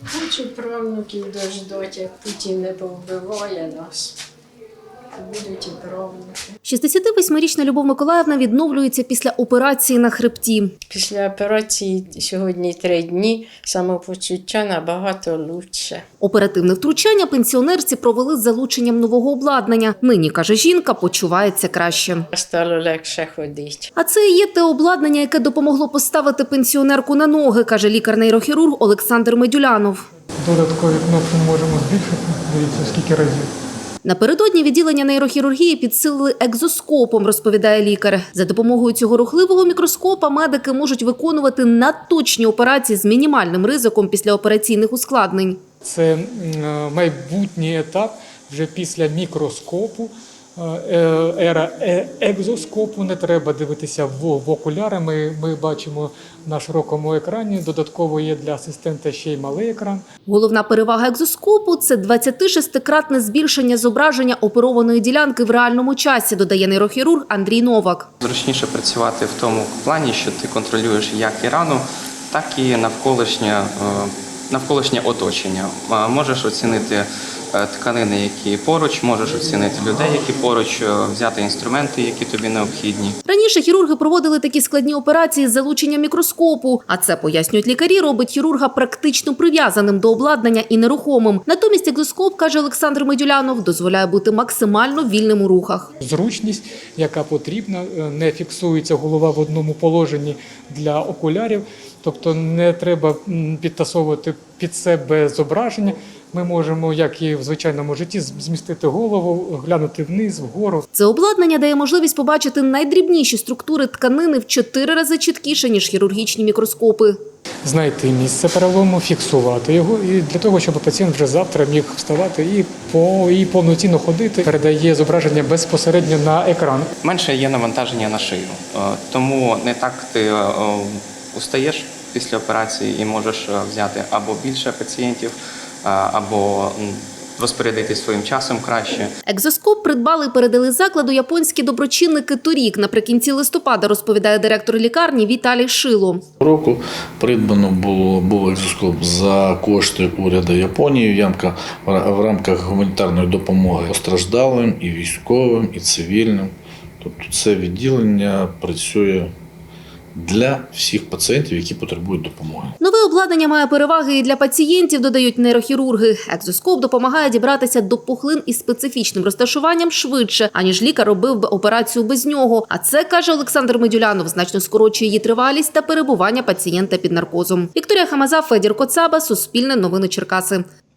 Хочу правнуків дождати, як Путін не повбиває нас. Будуть і правнуки. 68-річна Любов Миколаївна відновлюється після операції на хребті. Після операції сьогодні 3 дні, самопочуття набагато краще. Оперативне втручання пенсіонерці провели з залученням нового обладнання. Нині, каже жінка, почувається краще. Стало легше ходити. А це і є те обладнання, яке допомогло поставити пенсіонерку на ноги, каже лікар-нейрохірург Олександр Медюлянов. Додаткові кнопки можемо збільшити, дивіться, скільки разів. Напередодні відділення нейрохірургії підсилили екзоскопом, розповідає лікар. За допомогою цього рухливого мікроскопа медики можуть виконувати надточні операції з мінімальним ризиком післяопераційних ускладнень. Це майбутній етап вже після мікроскопу. Ера екзоскопу, не треба дивитися в окуляри. Ми бачимо на широкому екрані. Додатково є для асистента ще й малий екран. Головна перевага екзоскопу – це 26-кратне збільшення зображення оперованої ділянки в реальному часі, додає нейрохірург Андрій Новак. Зручніше працювати в тому плані, що ти контролюєш як і рану, так і навколишнє оточення. Можеш оцінити тканини, які поруч, можеш оцінити людей, які поруч, взяти інструменти, які тобі необхідні. Раніше хірурги проводили такі складні операції з залученням мікроскопу, а це, пояснюють лікарі, робить хірурга практично прив'язаним до обладнання і нерухомим. Натомість екзоскоп, каже Олександр Медюлянов, дозволяє бути максимально вільним у рухах. Зручність, яка потрібна, не фіксується голова в одному положенні для окулярів, тобто не треба підтасовувати під себе зображення. Ми можемо, як і в звичайному житті, змістити голову, глянути вниз, вгору. Це обладнання дає можливість побачити найдрібніші структури тканини в 4 рази чіткіше, ніж хірургічні мікроскопи. Знайти місце перелому, фіксувати його, і для того, щоб пацієнт вже завтра міг вставати і повноцінно ходити, передає зображення безпосередньо на екран. Менше є навантаження на шию, тому не так ти устаєш після операції і можеш взяти або більше пацієнтів, або розпорядитись своїм часом краще. Екзоскоп придбали і передали закладу японські доброчинники торік. Наприкінці листопада, розповідає директор лікарні Віталій Шило. Року придбано був екзоскоп за кошти уряду Японії в рамках гуманітарної допомоги постраждалим і військовим, і цивільним. Тобто це відділення працює для всіх пацієнтів, які потребують допомоги. Нове обладнання має переваги і для пацієнтів, додають нейрохірурги. Екзоскоп допомагає дібратися до пухлин із специфічним розташуванням швидше, аніж лікар робив би операцію без нього. А це, каже Олександр Медюлянов, значно скорочує її тривалість та перебування пацієнта під наркозом. Вікторія Хамаза, Федір Коцаба, Суспільне новини Черкаси.